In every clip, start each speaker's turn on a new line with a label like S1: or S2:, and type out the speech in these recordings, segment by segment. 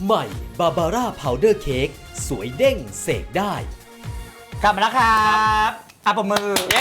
S1: ใหม่บาบาร่าพาวเดอร์เค้กสวยเด้งเสกได้
S2: กลับมาแล้วครับปมมือ
S3: เย้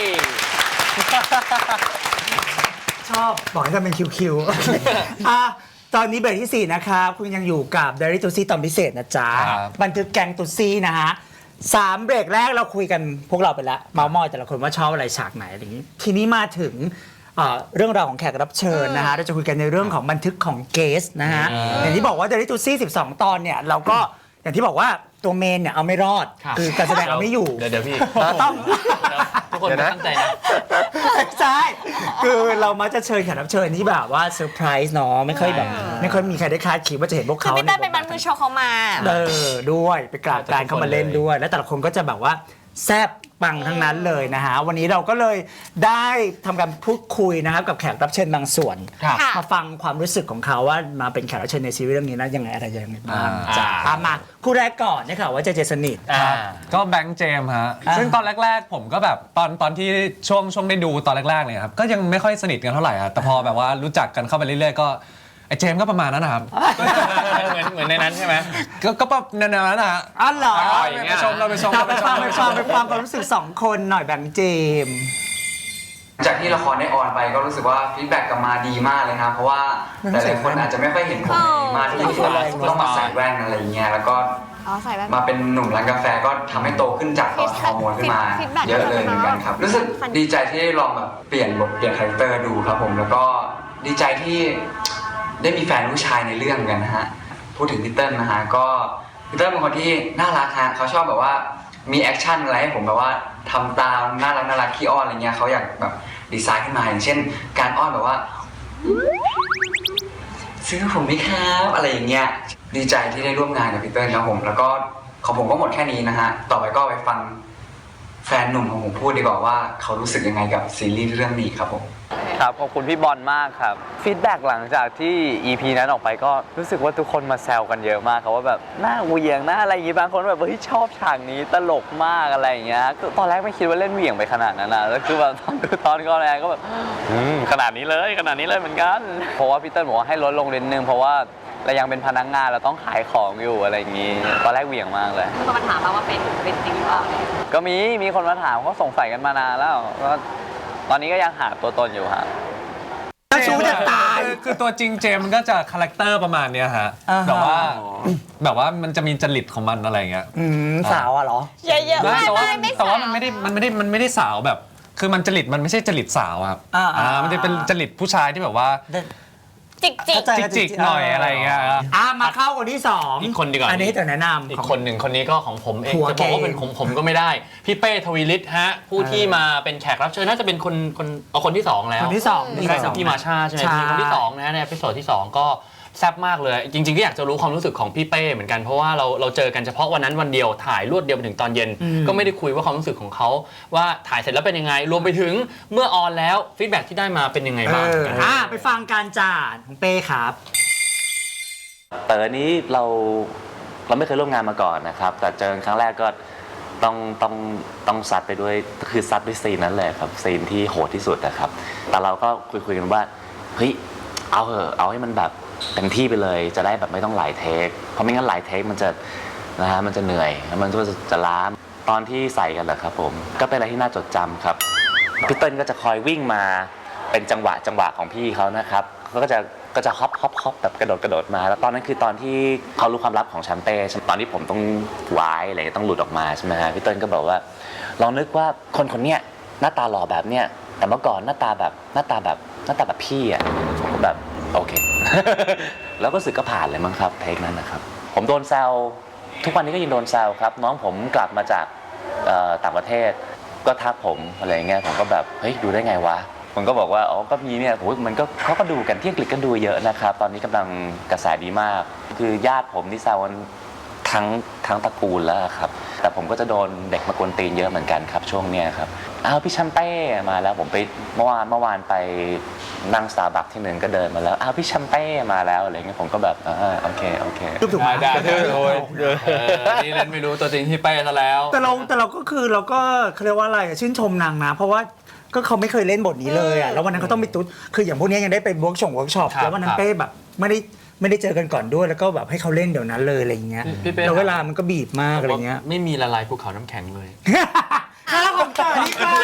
S2: ชอบบอกให้ทำเป็นคิวๆตอนนี้เบรกที่ 4 นะครับคุณยังอยู่กับ Diary to See ตอนพิเศษนะจ๊ะบันทึกแกงตุซี่นะฮะ3 เบรกแรกเราคุยกันพวกเราไปแล้วเมาท์มอยแต่ละคนว่าชอบอะไรฉากไหนอะไรอย่างนี้ทีนี้มาถึงเรื่องราวของแขกรับเชิญนะฮะเราจะคุยกันในเรื่องของบันทึกของเกสนะฮะอย่างที่บอกว่า Diary to See 12 ตอนเนี่ยเราก็อย่างที่บอกว่าตัวเมนเนี่ยเอาไม่รอดคือการแสดงเอาไม่อยู่
S3: เดี๋ยวพี่
S2: ต้อง
S3: ทุกคนตั้งใจนะ
S2: ใช่คือเรามักจะเชิญแขกรับเชิญที่แบบว่าเซอร์ไพรส์เนาะไม่ค่อยมีใครได้คาดคิดว่าจะเห็นพวกเขา
S4: คือพี่เต้เป็นบันทึกโชว์เขามา
S2: ด้วยไปกราบการเข้ามาเล่นด้วยแล้วแต่ละคนก็จะแบบว่าแซ่บปังทั้งนั้นเลยนะฮะวันนี้เราก็เลยได้ทำการพูดคุยนะครับกับแขกรับเชิญบางส่วนมาฟังความรู้สึกของเขาว่ามาเป็นแขกรับเชิญในซีรีส์เรื่องนี้นะยังไงอะไรยังไงบ้างจ้ามาคู่แรกก่อนนะคะว่าจะสนิท
S5: ก็แบงค์เจมส์ฮะซึ่งตอนแรกๆผมก็แบบตอนที่ช่วงได้ดูตอนแรกๆเนี่ยครับก็ยังไม่ค่อยสนิทกันเท่าไหร่ครับแต่พอแบบว่ารู้จักกันเข้าไปเรื่อยๆก็ไอ้เจมส์ก็ประมาณนั้นนะครับ
S3: เหมือนในนั้นใช่ไหม
S5: ก็แบบแนวนั้นนะฮะ
S2: อ๋อเหรอ
S5: ไปชม
S2: ไปฟังความรู้สึก2 คนหน่อยแบงค์เจมส์
S6: จากที่ละครได้ออนไปก็รู้สึกว่าฟีดแบ็กกลับมาดีมากเลยนะเพราะว่าหลายๆคนอาจจะไม่ค่อยเห็นผมมาที่ต้องมาใส่แว่นอะไรเงี้ยแล้วก็มาเป็นหนุ่มร้านกาแฟก็ทำให้โตขึ้นจากตอนฮอร์โมนขึ้นมาเยอะเลยเหมือนกันครับรู้สึกดีใจที่ได้ลองแบบเปลี่ยนบทเปลี่ยนคาแรคเตอร์ดูครับผมแล้วก็ดีใจที่ได้มีแฟนผู้ชายในเรื่องกันนะฮะพูดถึงพี่เติ้ลนะฮะก็พี่เติ้ลเป็นคนที่น่ารักฮะเขาชอบแบบว่ามีแอคชั่นอะไรให้ผมแบบว่าทำตามน่ารักขี้อ้อนอะไรเงี้ยเขาอยากแบบดีไซน์ขึ้นมาอย่างเช่นการอ้อนแบบว่าซื้อผมไหมครับอะไรอย่างเงี้ยดีใจที่ได้ร่วมงานกับพี่เติ้ลครับผมแล้วก็ของผมก็หมดแค่นี้นะฮะต่อไปก็ไปฟังแฟนหนุ่มของผมพูดดีกว่าว่าเขารู้สึกยังไงกับซีรีส์เรื่องนี้ครับผม
S7: ครับขอบคุณพี่บอลมากครับฟีดแบ็กหลังจากที่ EP นั้นออกไปก็รู้สึกว่าทุกคนมาแซวกันเยอะมากครับว่าแบบหน้าเหวี่ยงหน้าอะไรอย่างงี้บางคนแบบเฮ้ยชอบฉากนี้ตลกมากอะไรอย่างเงี้ยตอนแรกไม่คิดว่าเล่นเหวี่ยงไปขนาดนั้นนะแล้วคือแบบตอนก่อนแรกก็แบบขนาดนี้เลยเหมือนกันเพราะว่าพี่เติ้ลบอกว่าให้ลดลงนิดนึงเพราะว่าเรายังเป็นพนักงานเราต้องขายของอยู่อะไรอย่างงี้ตอนแรกเหวี่ยงมากเลย
S4: มีคนมาถามว่าเป็นจริงหรือเปล่า
S7: ก็มีคนมาถามเขาสงสัยกันมานานแล้วก็ตอนนี้ก็ยังหาตัวตนอยู่ฮะ
S2: ชูจะตาย
S5: คือตัวจริงเจมมันก็จะคาแรคเตอร์ประมาณนี้ฮะแบบว่ามันจะมีจริตของมันอะไรเงี้ย
S2: สาวเหรอ
S4: เยอะๆ
S5: แต่ว่ามันไม่ได้สาวแบบคือมันจริตมันไม่ใใช่จริตสาวครับมันจะเป็นจริตผู้ชายที่แบบว่าจิกหน่อยอะไรเงี้ย
S2: มาเข้าคนที่2
S3: อีกคนดีกว่า
S2: อันนี้แต่แนะนำ
S3: อีกคนหนึ่งคนนี้ก็ของผมเองจะบอกว่าเป็นของผมก็ไม่ได้พี่เป้ทวีฤทธิ์ฮะผู้ที่มาเป็นแขกรับเชิญน่าจะเป็นคนที่2แล้ว
S2: คนที่2
S3: พี่มาชาใช่ไหมพี่คนที่2นะในเอพิโซดที่2ก็แซ่บมากเลยจริงๆก็อยากจะรู้ความรู้สึกของพี่เป้เหมือนกันเพราะว่าเราเจอกันเฉพาะวันนั้นวันเดียวถ่ายรวดเดียวไปถึงตอนเย็นก็ไม่ได้คุยว่าความรู้สึกของเขาว่าถ่ายเสร็จแล้วเป็นยังไงรวมไปถึงเมื่อออนแล้วฟีดแบ็กที่ได้มาเป็นยังไงบ้าง
S2: ไปฟังการจ่าของเป้ครับ
S7: นี้เราไม่เคยร่วมงานมาก่อนนะครับแต่เจอครั้งแรกก็ต้องซัดไปด้วยคือซัดด้วยซีนนั้นเลยครับซีนที่โหดที่สุดนะครับแต่เราก็คุยกันว่าเฮ้ยเอาให้มันแบบเต็มที่ไปเลยจะได้แบบไม่ต้องหลายเทคเพราะไม่งั้นหลายเทคมันจะเหนื่อยมันจะล้าตอนที่ใส่กันแหละครับผมก็เป็นอะไรที่น่าจดจำครับพี่เติ้ลก็จะคอยวิ่งมาเป็นจังหวะของพี่เขานะครับเขาก็จะฮอปแบบกระโดดมาแล้วตอนนั้นคือตอนที่เขารู้ความลับของแชมเป้ตอนที่ผมต้องวายอะไรต้องหลุดออกมาใช่ไหมฮะพี่เติ้ลก็บอกว่าลองนึกว่าคนเนี้ยหน้าตาหล่อแบบเนี้ยแต่เมื่อก่อนหน้าตาแบบพี่อ่ะผมก็แบบโอเค แล้วก็รู้สึกก็ผ่านเลยมั้งครับเทคนั้นนะครับผมโดนแซวทุกวันนี้ก็ยังโดนแซวครับน้องผมกลับมาจากต่างประเทศก็ทักผมอะไรเงี้ยผมก็แบบเฮ้ยดูได้ไงวะผมก็บอกว่าอ๋อก็มีเนี่ยมันก็เขาก็ดูกันที่อังกฤษก็ดูเยอะนะครับตอนนี้กำลังกระแสดีมากคือญาติผมที่แซวทั้งตระกูลแล้วครับแต่ผมก็จะโดนเด็กมากวนตีนเยอะเหมือนกันครับช่วงเนี้ยครับพี่แชมเป้มาแล้วผมไปเมื่อวานไปนั่งสตาร์บัคที่หนึ่งก็เดินมาแล้วพี่แชมเป้มาแล้วอะไรเงี้ยผมก็แบบโอเค
S2: ถูกไหม
S3: นี่เล่นไม่รู้ตัวจริงที่เป้ซะแล้ว
S2: แต่เราก็คือเราก็เขาเรียกว่าอะไรชื่นชมนางนะเพราะว่าก็เขาไม่เคยเล่นบทนี้เลยแล้ววันนั้นเขาต้องไปตุ๊ดคืออย่างพวกนี้ยังได้ไปเวิร์กช็อปแล้ววันนั้นเป้แบบไม่ได้ไม่ได้เจอกันก่อนด้วยแล้วก็แบบให้เขาเล่นเดี๋ยวนั้นเลยอะไรเงี้ย
S3: พี่เป้
S2: แล้วเวลามันก็บีบมากอะไรเงี้ย
S3: ไม่มีละลายภูเขาน้ำแข็งเลย
S2: ข้าวของต่อนี่ค่ะ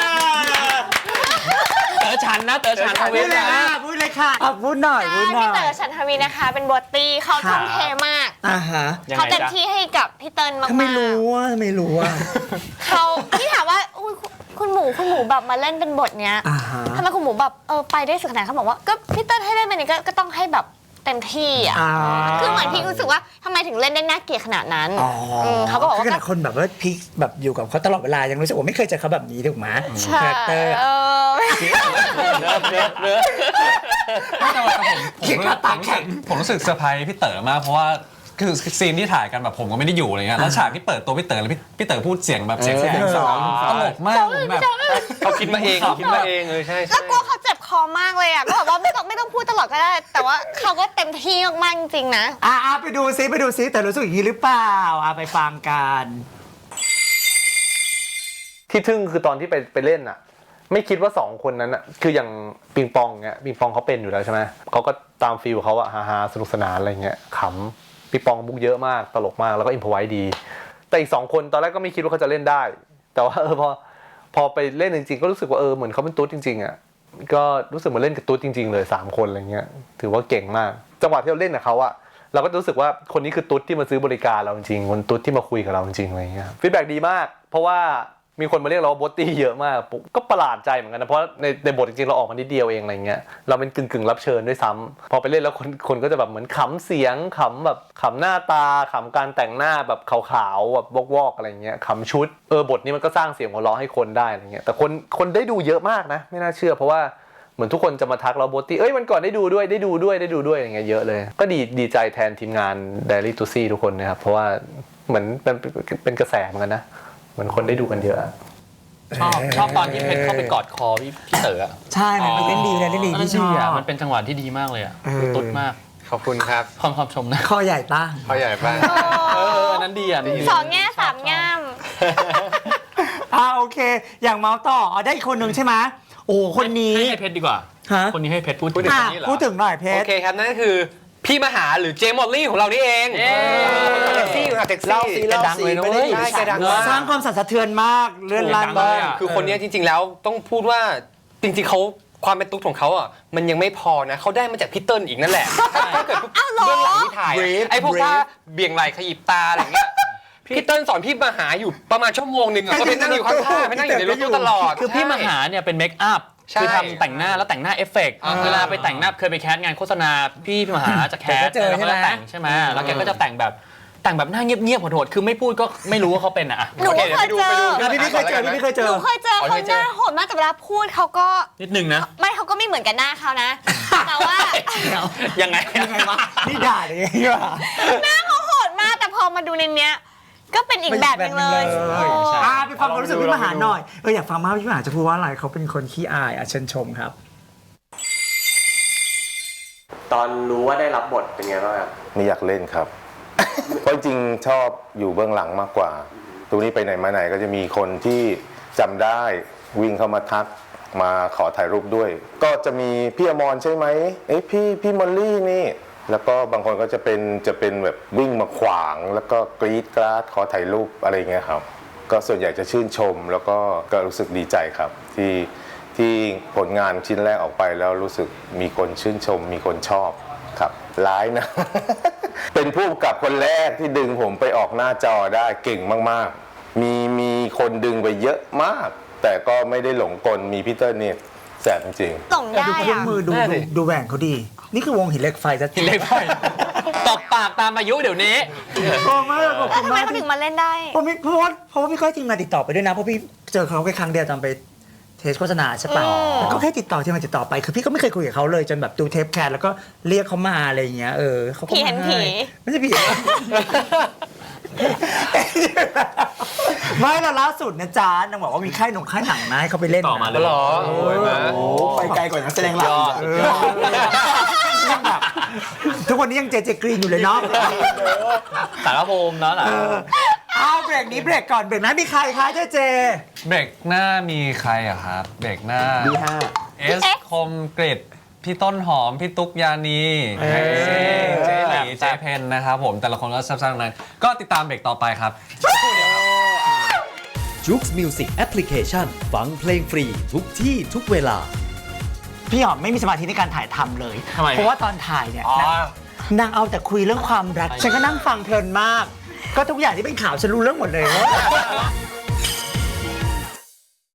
S3: เต๋อฉันนะเต๋อฉันท
S2: พู
S3: วี
S2: ดเลยค่ะพูดเลยค่ะพูดหน่อยพูดหน่
S4: พี่
S2: อย
S4: เต๋อฉันทวีนะคะ เป็นบทตีเขาทุ่มเทมาก
S2: อ่าฮะ
S3: ยัง
S4: เขา
S3: ไง
S4: เต็ม
S3: จ๊ะ
S4: ที่ให้กับพี่เติ้ลมาก
S2: ทำไมรู้ว่าทำไมรู้ว่า
S4: เขาพี่ถามว่าอุ๊ยคุณหมูแบบมาเล่นเป็นบทเนี้ย
S2: อ่าฮะ
S4: ทำไมคุณหมูแบบไปได้สุดขนาดเขาบอกว่าก็พี่เติ้ลให้เล่นแบบนี้ก็ต้องให้แบบเต็มที่อ่ะ
S2: อ่า
S4: คือเหมือนพี่รู้สึกว่าทำไมถึงเล่นได้น่าเกลียดขนาดนั้น
S2: อ๋อ
S4: เขาก็บอก
S2: คือ
S4: ว่า
S2: ขนาดคนแบบว่าพีคแบบอยู่กับเขาตลอดเวลายังรู้สึกว่าไม่เคยเจอเขาแบบนี้ถูกไหม
S4: ใช่
S2: คาแรคเตอร์
S5: ผมรู้สึกเซอร์ไพรส์พี่เต๋อมากเพราะว่าคือซีนที่ถ่ายกันแบบผมก็ไม่ได้อยู่อะไรเงี้ยแล้วฉากที่เปิดตัวพี่เต๋อแล้วพี่เต๋อพูดเสียงแบบเสียงสองตลกมากผมแบบ
S3: เขาคิดมาเองคิดมาเองเลยใช่
S4: แล้วกลัวเขาเจ็บคอมากเลยอ่ะก็แบบว่าไม่ต้องพูดตลอดก็ได้ แต่ว่าเขาก็เต็มที่มากๆจริงๆนะ
S2: ไปดูซิแต่รู้สึกอย่างนี้หรือเปล่าไปฟังกัน
S8: ที่ทึ่งคือตอนที่ไปเล่นอ่ะ ไม่คิดว่า2คนนั้นอ่ะคืออย่างปิงปองเงี้ยปิงปองเขาเป็นอยู่แล้วใช่ไหมเขาก็ตามฟีลเขาอะฮาๆสนุกสนานอะไรเงี้ยขำปิงปองมุกเยอะมากตลกมากแล้วก็อิมพอไว้ดี แต่อีก2คนตอนแรกก็ไม่คิดว่าเขาจะเล่นได้ แต่ว่าพอไปเล่นจริงๆก็รู้สึกว่าเหมือนเขาเป็นตุ๊ดจริงๆอ่ะก็รู้สึกเหมือนเล่นกับตุ๊ดจริงๆเลย3คนอะไรเงี้ยถือว่าเก่งมากจังหวะที่เราเล่นกับเขาอะเราก็รู้สึกว่าคนนี้คือตุ๊ดที่มาซื้อบริการเราจริงๆคนตุ๊ดที่มาคุยกับเราจริงๆอะไรเงี้ยฟีดแบ็กดีมากเพราะว่ามีคนมาเรียกเราว่าโบตตี้เยอะมากก็ประหลาดใจเหมือนกันนะเพราะในบทจริงๆเราออกมานิดเดียวเองอะไรเงี้ยเราเป็นกึ่งรับเชิญด้วยซ้ำพอไปเล่นแล้วคนก็จะแบบเหมือนขำเสียงขำแบบขำหน้าตาขำการแต่งหน้าแบบขาวๆแบบวอกๆอะไรเงี้ยขำชุดบทนี้มันก็สร้างเสียงหัวเราะให้คนได้อะไรเงี้ยแต่คนได้ดูเยอะมากนะไม่น่าเชื่อเพราะว่าเหมือนทุกคนจะมาทักเราโบตตี้มันก่อนได้ดูด้วยอย่างเงี้ยเยอะเลยก็ดีใจแทนทีมงาน Daily to See ทุกคนนะครับเพราะว่าเหมือนเป็นกระแสเหมือนกันนะเหมือนคนได้ดูกันเยอะ
S3: ชอบตอนที่เพชรเข้าไปกอดคอพี่เต๋ออะ
S2: ใช่มันเล่นดีพี่ชอบ
S3: มันเป็นจังหวะที่ดีมากเลยอ่ะตุ๊ดมาก
S8: ขอบคุณครับ
S3: ความชมนะ
S2: ข้อใหญ่ตั้ง
S8: เขาใหญ่บ้าง
S3: นั้นดีอ่ะ
S4: สองแง่สามง่าม
S2: โอเค อย่างเมาส์ต่อได้อีกคนหนึ่งใช่ไหมโอ้คนนี้
S3: ให้เพชรดีกว่า
S2: ฮะ
S3: คนนี้ให้เพชรพูดถึง
S2: พูดถึงหน่อยเพ
S9: โอ
S2: ชร
S9: เคครับ นั่นก็คือพี่มหาหรือเจมมอลลี่ของเรานี่เองแท็กซี่ค่ะแท็กซี่
S3: เล่าสิดังเลยนะเว้ย
S9: ใช่แกดังมาก
S2: สร้างความสั่นสะเทือนมากเลื่อนลั่นมาก
S9: คือคนนี้จริงๆแล้วต้องพูดว่าจริงๆเขาความเป็นตุ๊กของเขาอ่ะมันยังไม่พอนะเขาได้มาจากพี่เติ้ลอีกนั่นแหละถ้าเกิดเบื้องหลังที่ถ่ายไอ้พวกท่าเบี่ยงไหล่ขยิบตาอะไรเงี้ยพี่เติ้ลสอนพี่มหาอยู่ประมาณชั่วโมงหนึ่งก็ไปนั่งอยู่ข้างๆไปนั่งอยู่ในรถตู้ตลอด
S3: คือพี่มหาเนี่ยเป็นเมคอัพ
S9: ใช่
S3: คือทำแต่งหน้าแล้วแต่งหน้าเอฟเฟกต์เวลาไปแต่งหน้าเคยไปแคสงานโฆษณาพี่มหาจะแคส
S2: เจอ
S3: แล้ว
S2: ใช่
S3: ก็
S2: ไหม
S3: แต่งใช่ไหมแล้วแกก็จะแต่งแบบหน้าเงียบๆโหดๆคือไม่พูดก็ไม่รู้ว่าเขาเป็นอ่ะ
S4: หนูก็เคยเจอ
S2: พี่เคยเจอ
S4: หนูเคยเจอเขาหน้าโหดมากแต่เวลาพูดเขาก็
S3: นิดนึงนะ
S4: ไม่เขาก็ไม่เหมือนกันหน้าเขานะ แต่ว่า
S3: ยังไง
S2: วะนี่ด่าเลยไงวะ
S4: หน้าเขาโหดมากแต่พอมาดูในเนี้ยก็เป็นอีกแบบหนึงเลย
S2: ไปฟังความรู้สึกพี่มหาหน่อยอยากฟังมากพี่มหาจะพูดว่าอะไรเขาเป็นคนขี้อายเชิญชมครับ
S10: ตอนรู้ว่าได้รับบทเป็นไงบ้างครับ
S11: ไม่อยากเล่นครับ เพราะจริงชอบอยู่เบื้องหลังมากกว่าตรงนี้ไปไหนมาไหนก็จะมีคนที่จำได้วิ่งเข้ามาทักมาขอถ่ายรูปด้วย ก็จะมีพี่อมรใช่ไหมพี่มอลลี่นี่แล้วก็บางคนก็จะเป็นแบบวิ่งมาขวางแล้วก็กรี๊ดกราดขอถ่ายรูปอะไรเงี้ยครับก็ส่วนใหญ่จะชื่นชมแล้วก็รู้สึกดีใจครับที่ผลงานชิ้นแรกออกไปแล้วรู้สึกมีคนชื่นชมมีคนชอบครับร้ายนะ เป็นผู้กำกับคนแรกที่ดึงผมไปออกหน้าจอได้เก่งมากๆมีคนดึงไปเยอะมากแต่ก็ไม่ได้หลงกลมีพีเตอร์เนี่ยแสบจริง
S4: ส่งได้
S2: ดูเครื่อง
S4: อะ
S2: มือดูแหวนเขาดี นี่คือวงหินเหล็กไฟจะ
S3: หินเหล็กไฟตบปากตามอายุเดี๋ยวนี้
S2: โอ้มากขอบคุณ
S4: ทำไม
S2: มาก
S4: เขาถึงมาเล่นได้
S2: เพราะพี่ก้อยทีมงานติดต่อไปด้วยนะเพราะพี่เจอเขาแค่ครั้งเดียวตอนไปเทสโฆษณาใช่ป่ะแล้วก็แค่ติดต่อที่มาติดต่อไปคือพี่ก็ไม่เคยคุยกับเขาเลยจนแบบดูเทปแคสแล้วก็เรียกเขามาอะไรอย่างเงี้ยเขาก็
S4: ผีเห็นผี
S2: ไม่ใช่ผี ไม่แต่ล่าสุดนะจ๊ะนางบอกว่ามีค่ายหนังนะให้เขาไปเล่น
S3: ต่อมาเลย
S9: หรอโอ้ยมา
S2: ไปไกลกว่านักแสดงหลักทุกวันนี้ยังเจกรีนอยู่เลยเนาะ
S3: สารภูมิแล้วล่ะ
S2: เอาเบรกนี้เบรกก่อนเบรกนั้นมีใครคะเจ
S5: เบรกหน้ามีใครอะครับเบรกหน้า
S2: B5
S5: เอสคมกริดพี่ต้นหอมพี่ตุ๊กยานีแท็กซี่เจเจเพนนะครับผมแต่ละคนก็แซ่บๆทั้งนั้นก็ติดตามเบรกต่อไปครับ
S1: จุกส์มิวสิกแอปพลิเคชันฟังเพลงฟรีทุกที่ทุกเวลา
S2: พี่หอมไม่มีสมาธิในการถ่ายทำเลย
S3: ทำไม
S2: เพราะว่าตอนถ่ายเนี่ยนางเอาแต่คุยเรื่องความรักฉันก็นั่งฟังเพลินมาก ก็ทุกอย่างที่เป็นข่าวฉันรู้เรื่องหมดเลย